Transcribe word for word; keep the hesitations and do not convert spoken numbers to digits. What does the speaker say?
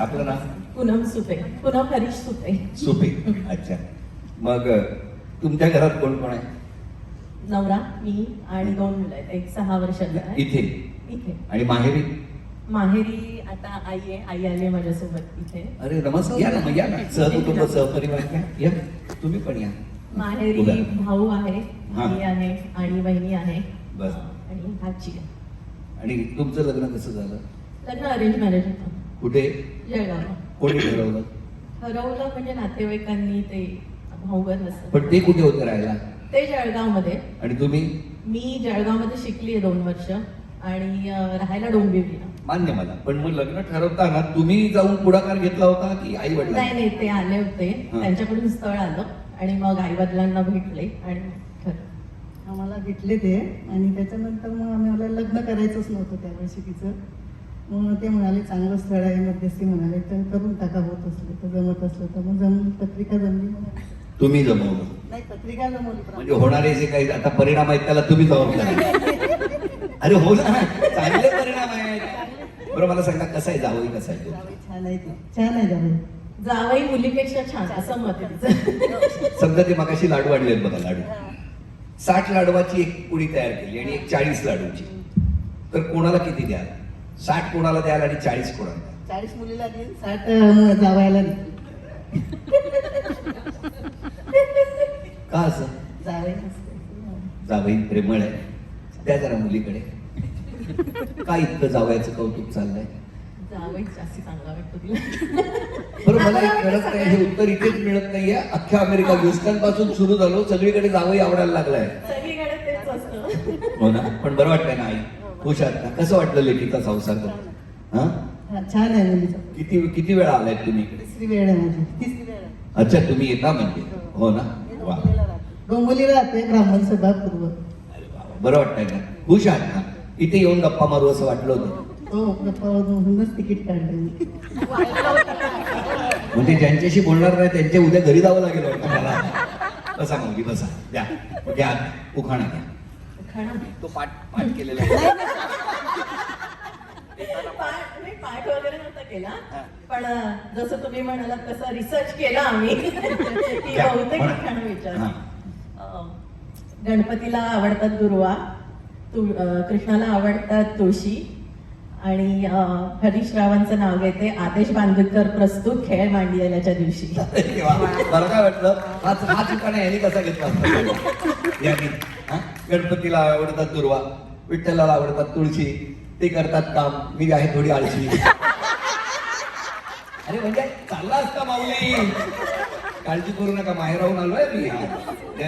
आपलं नाव? पूनम सुपे. पूनम हरीश सुपे. सुपे. अच्छा. मग तुमच्या घरात कोण कोण आहे? नवरा, मी आणि दोन मुलं आहेत. एक सहा वर्षाचा आहे. इथे इथे. आणि माहेरी? माहेरी आता आई आहे. आई आली आहे माझ्यासोबत इथे. अरे नमस्कार, या ना, मग या ना. सहकुटुंब सहपरिवार घ्या. या तुम्ही पण या. माहेरी उभ्या. भाऊ आहे, हा. आई आहे आणि बहिणी आहे. बस. आणि आजी आहे. आणि तुमचं लग्न कसं झालं? लग्न अरेंज मॅरेज होतं. कुठे? जळगावला. कोणी ठरवलं? ठरवलं म्हणजे नातेवाईकांनी ते भाऊबर नसतं. पण ते कुठे होते राहायला? ते जळगावमध्ये. आणि तुम्ही? मी जळगावमध्ये शिकली आहे दोन वर्ष आणि अं, राहायला डोंबिवलीला. मान्य मला, पण मग लग्न ठरवताना तुम्ही जाऊन पुढाकार घेतला होता की आई वडील? नाही नाही, ते आले होते. हा. त्यांच्याकडून स्थळ आलं आणि मग आई वडिलांना भेटले आणि ठरलं. आम्हाला भेटले ते आणि त्याच्यानंतर मग आम्ही मला लग्न करायचंच नव्हतं त्या वर्षी तिचं. मग ते म्हणाले चांगलं स्थळ आहे, मध्यस्थी म्हणाले तर करून टाका, होत असलं तर जमत असलं तर मग जम पत्रिका जमली. म्हणाले तुम्ही जमवलं नाही, पत्रिका जमवली पण म्हणजे होणारे जे काही आता परिणाम आहेत त्याला तुम्ही जबाबदार. अरे हो ना, चांगले परिणाम आहेत. बरं मला सांगा, कसं आहे जावई, कसं आहे तो? जावई छान आहे ते. छान आहे जावई. जावई मुलीपेक्षा छान असं मत आहे तिचं. समजा ते मगाशी लाडू आणले बघा, लाडू साठ लाडवाची एक पुडी तयार केली आणि एक चाळीस लाडूची, तर कोणाला किती द्याल? साठ कोणाला द्याल आणि चाळीस कोणाला द्याल? चाळीस मुलीला देईल, साठ अं, जावयाला देईल. का असं? जावई नसते. जावई प्रेमळ आहे, त्या जरा मुलीकडे. का इतकं जावयाचं कौतुक चाललंय? जावई जास्त चांगला वाटतो तिला. बरं मला एक कळत नाही, हे उत्तर इथेच मिळत नाहीये. अख्ख्या अमेरिका ह्युस्टन पासून सुरू झालो, सगळीकडे जावई आवडायला लागलाय. सगळीकडे तेच असतं. हो ना, पण बरं वाटतंय ना आई? खुश आहात ना? कसं वाटलं लेकीचा संसार? हा, हा, छान आहे मुलीचा. किती किती वेळा आलाय तुम्ही इकडे? तिसरी वेळ आहे माझी. तिसरी वेळ आहे. अच्छा, तुम्ही येता म्हणजे? हो ना, वा. डोंबिवलीला राहते. डोंबिवलीला राहते, ब्राह्मण सभा पूर्व. अरे वा, बरं वाटतंय ना? खुश आहात ना? इथे येऊन गप्पा मारू असं वाटलं होतं? हो, गप्पावरूनच तिकीट काढलं मी. म्हणजे ज्यांच्याशी बोलणार नाही त्यांच्या उद्या घरी जावं लागेल वाटतं मला. बसा माऊली, बसा, द्या घ्या, उखाणा घ्या. खाणं. तो पाठ पाठ केलेला आहे. पाठ नाही, पाठ वगैरे नव्हता केला, पण अं, जसं तुम्ही म्हणालात तसं रिसर्च केला आम्ही की क्या? बहुतेक म्हणा. खाणं विचार. हा. अं, गणपतीला आवडतात दुर्वा, तुळ अं, कृष्णाला आवडतात तुळशी आणि अं, हरीश रावांचं नाव घेते. आदेश बांदेकर प्रस्तुत खेळ मांडियाच्या दिवशी. अरे वा, मला काय वाटलं हाच हाच उखाणा यांनी कसा घेतला असता? यांनी हा? गणपतीला आवडतात दुर्वा, विठ्ठलाला आवडतात तुळशी, ते करतात काम, मी आहे थोडी आळशी. अरे म्हणजे चालला असता माऊली, काळजी करू नका, माहेराहून आलोय मी.